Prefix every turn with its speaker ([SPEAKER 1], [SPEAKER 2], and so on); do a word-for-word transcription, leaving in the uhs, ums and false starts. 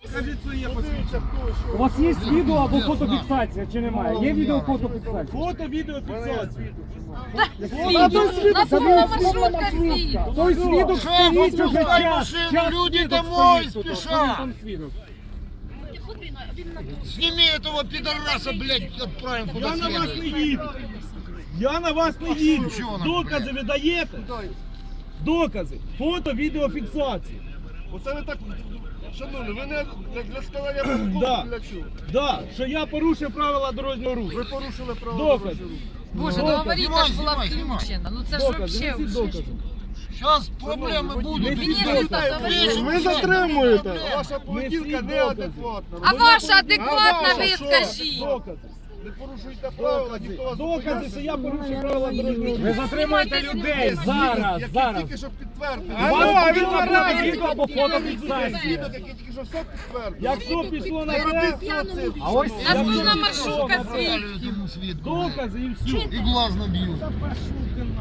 [SPEAKER 1] Скажіть своє посвідчення.
[SPEAKER 2] У вас є відео або фотофіксація чи немає? Є відео фотофіксація?
[SPEAKER 1] Фото, відео, фіксація.
[SPEAKER 2] Свідок, той свідок стоїть уже час. Час
[SPEAKER 3] люди
[SPEAKER 2] свідок
[SPEAKER 3] домой
[SPEAKER 2] стоїть тут.
[SPEAKER 3] спішать.
[SPEAKER 2] Ось там свідок.
[SPEAKER 3] Сними этого пидораса, блядь, отправим куда
[SPEAKER 1] Я на вас не
[SPEAKER 3] следует.
[SPEAKER 1] їду. Я на вас не їду.
[SPEAKER 3] Чого нам,
[SPEAKER 1] Докази
[SPEAKER 3] блядь?
[SPEAKER 1] ви даєте? Докази. Фото, відеофіксація.
[SPEAKER 4] Оце ви так, шановні, ви не для, для складання протоколу,
[SPEAKER 1] Да.
[SPEAKER 4] для чого?
[SPEAKER 1] Да, що я порушив правила дорожнього руху.
[SPEAKER 4] Ви порушили право
[SPEAKER 1] Докази.
[SPEAKER 4] дорожнього руху.
[SPEAKER 5] Боже,
[SPEAKER 1] Докази.
[SPEAKER 5] ну аварійка ж була
[SPEAKER 3] Знімай, знімай,
[SPEAKER 5] включена. Ну це ж
[SPEAKER 1] Докази,
[SPEAKER 5] вообще
[SPEAKER 1] несіть
[SPEAKER 5] вже.
[SPEAKER 1] докази.
[SPEAKER 3] Сейчас проблемы будут.
[SPEAKER 1] Несіть
[SPEAKER 5] Мені
[SPEAKER 1] докази.
[SPEAKER 5] докази.
[SPEAKER 4] Ви затримуєте,
[SPEAKER 3] Проблема.
[SPEAKER 4] ваша поведінка
[SPEAKER 1] Несіть
[SPEAKER 4] неадекватна.
[SPEAKER 5] А ваша адекватна,
[SPEAKER 4] А
[SPEAKER 5] ви
[SPEAKER 4] ваша
[SPEAKER 5] скажіть.
[SPEAKER 1] Докази.
[SPEAKER 4] Не порушуйте правила, ніхто вас
[SPEAKER 1] Докази, що я порушив правила дорожнього руху.
[SPEAKER 2] Ви затримуєте людей зараз,
[SPEAKER 4] Який
[SPEAKER 2] зараз.
[SPEAKER 4] тільки що підтвердив.
[SPEAKER 2] У вас
[SPEAKER 1] а він
[SPEAKER 2] повинно бути
[SPEAKER 1] вмирає.
[SPEAKER 2] відео або фотофіксація.
[SPEAKER 4] Свідок, який тільки що все підтвердив.
[SPEAKER 1] Якщо пішло на
[SPEAKER 4] Не робіть
[SPEAKER 1] те,
[SPEAKER 4] цього цирку.
[SPEAKER 2] А ось
[SPEAKER 5] Наступна маршрутка світ.
[SPEAKER 3] Этому свидку.
[SPEAKER 1] докази і все.
[SPEAKER 3] И глаз набью.